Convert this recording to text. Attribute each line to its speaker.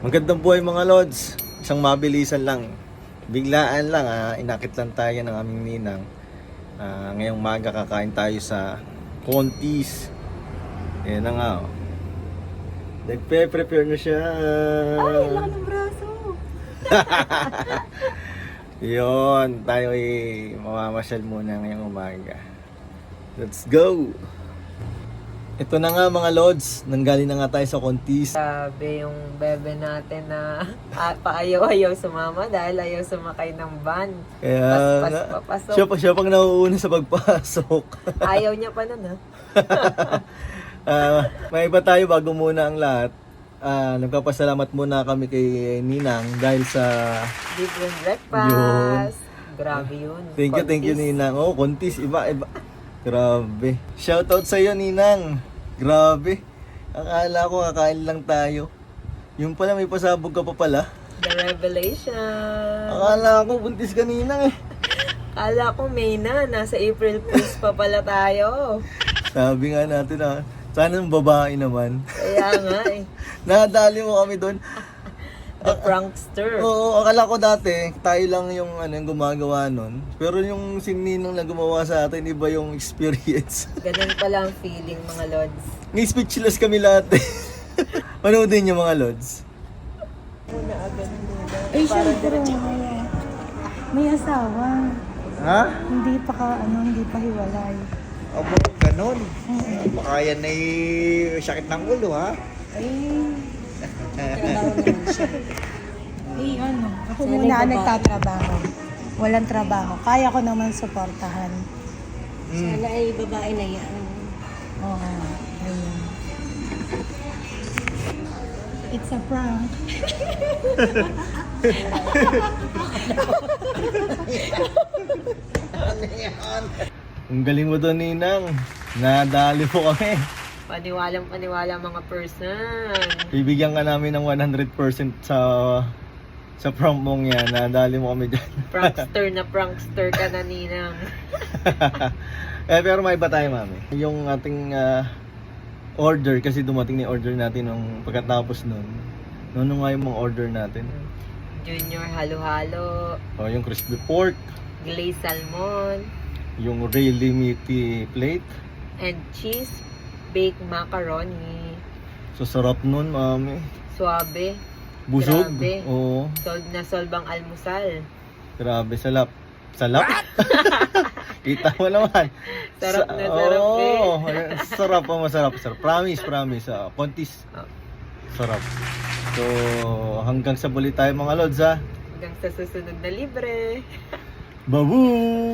Speaker 1: Magandang buhay mga lods. Isang mabilisan lang. Biglaan lang inakit lang tayo ng aming ninang. Ngayong maga kakain tayo sa Contis. Ayan na nga oh. Nagpe-prepare na siya.
Speaker 2: Ay, laki ng braso.
Speaker 1: Yun, tayo ay mamamasyal muna ngayong umaga. Let's go! Ito na nga mga lods, nanggaling na nga tayo sa Contis.
Speaker 2: Sabi yung bebe natin na paayaw-ayaw sumama dahil ayaw sumakay ng van.
Speaker 1: Kaya nga,
Speaker 2: Papasok.
Speaker 1: siya pang nauuna sa pagpasok.
Speaker 2: Ayaw niya pa nun, ha?
Speaker 1: May iba tayo bago muna ang lahat. Nagpapasalamat muna kami kay Ninang dahil sa...
Speaker 2: Different breakfast. Grabe yun.
Speaker 1: Thank you
Speaker 2: Contis.
Speaker 1: Ninang. Oh, Contis, iba. Grabe. Shoutout sa iyo Ninang. Grabe. Akala ko kakain lang tayo. Yung pala may pasabog ka pa pala.
Speaker 2: The revelation.
Speaker 1: Akala ko buntis ka Ninang eh.
Speaker 2: Kala ko May na. Nasa April Fools pa pala tayo.
Speaker 1: Sabi nga natin sana ng babae naman.
Speaker 2: Kaya nga eh.
Speaker 1: Nadali mo kami doon.
Speaker 2: The prankster.
Speaker 1: Oo, akala ko dati, tayo lang yung yung gumagawa nun. Pero yung sininang na gumawa sa atin, iba yung experience.
Speaker 2: Ganun pala ang feeling, mga lods.
Speaker 1: May speechless kami lahat eh. Manoodin yung mga lods.
Speaker 2: Muna agad muna.
Speaker 3: Eh, syempre, may asawa.
Speaker 1: Ha?
Speaker 3: Hindi pa hiwalay.
Speaker 4: Abo, ganun. Baka yan ay sakit ng ulo, ha?
Speaker 3: Ako muna ang nagtatrabaho. Walang trabaho. Kaya ko naman suportahan.
Speaker 5: Sana ay babae na yan.
Speaker 3: Oo. Ayun. It's a prank.
Speaker 1: Ang galing mo doon, Ninang. Nadali po kami.
Speaker 2: Paniwalang paniwala mga person.
Speaker 1: Bibigyan ka namin ng 100% sa prank mong yan. Nadali mo kami dyan.
Speaker 2: Prankster ka na, Ninang.
Speaker 1: Pero may iba tayo, mami. Yung ating order, kasi dumating na yung order natin nung pagkatapos nun. Ano nga yung mga order natin?
Speaker 2: Junior halo-halo,
Speaker 1: O, yung crispy pork,
Speaker 2: glazed salmon,
Speaker 1: yung really meaty plate.
Speaker 2: and cheese baked macaroni.
Speaker 1: So, sarap nun, mami.
Speaker 2: Suabe.
Speaker 1: Busog.
Speaker 2: Grabe.
Speaker 1: Oo.
Speaker 2: Solve na solve ang almusal.
Speaker 1: Grabe, salap. Salap? Kita mo naman.
Speaker 2: Sarap na sarap
Speaker 1: Oo, sarap po, masarap. Sarap. Promise. Contis.
Speaker 2: Oh.
Speaker 1: Sarap. So, hanggang sa buli tayo mga lods ha.
Speaker 2: Hanggang sa susunod na libre.
Speaker 1: Babu!